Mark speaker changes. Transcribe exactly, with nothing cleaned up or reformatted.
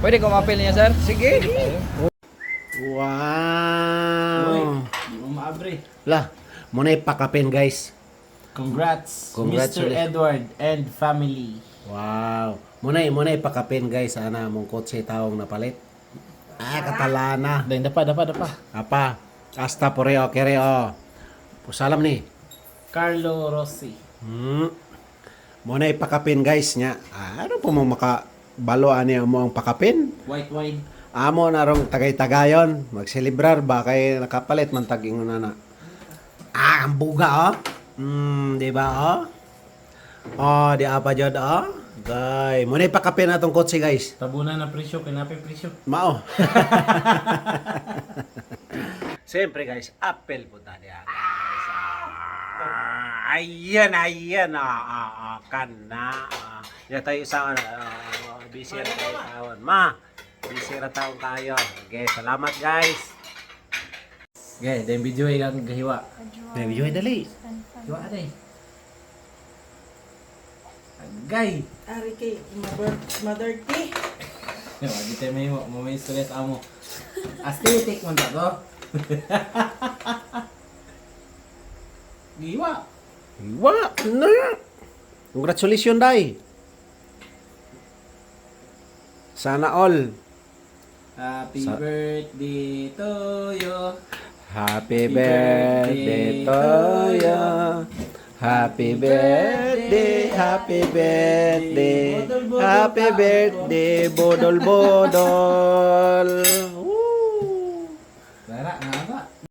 Speaker 1: Pwede ko ma-appeal niya, sir?
Speaker 2: Sige.
Speaker 3: Wow.
Speaker 2: Di mo maabre.
Speaker 3: Lah, muna ipakapin guys.
Speaker 2: Congrats,
Speaker 3: Congrats
Speaker 2: Mister
Speaker 3: ulit.
Speaker 2: Edward and family.
Speaker 3: Wow. Muna muna ipakapin guys ana mong kotse taong napalit. Ah, katalana.
Speaker 2: Dahil dapa, dapa, dapa.
Speaker 3: Apa? Hasta poreo, kereo. Pusalam ni.
Speaker 2: Carlo Rossi.
Speaker 3: Hmm. Muna ipakapin guys nya. Ah, ano po mo makabalo ani mo ang pakapin?
Speaker 2: White wine.
Speaker 3: Amo na rong tagay-tagayon. Magselebrar ba kay nakapalit man taging na na. Ah, ang buga oh. Hmm, di ba oh? Oh, di apa jud oh? Gay, muna ipakapin na tong kotse guys.
Speaker 2: Tabunan na presyo, kinapay presyo.
Speaker 3: Mao. Siyempre guys, apple po tali guys. Ah, ayan, ayan. Ah, ah, ah, kan na. Ah, ya tayo sa uh, busy na tayo tawon. Ma, busy na taon tayo. Okay, salamat guys.
Speaker 2: Okay, then video ay kang gahiwa.
Speaker 3: Baby, joy dali.
Speaker 2: Gahiwa day. Agay.
Speaker 4: Ari kay mother mother tea.
Speaker 2: Wagi tayo may mo, may stress amo. Aesthetic man ta to. Giwa.
Speaker 3: Wa, na. Congratulations dai. Sana all.
Speaker 2: Happy
Speaker 3: Sa-
Speaker 2: birthday to you.
Speaker 3: Happy birthday to you. Happy birthday, happy birthday, happy birthday, bodol bodol.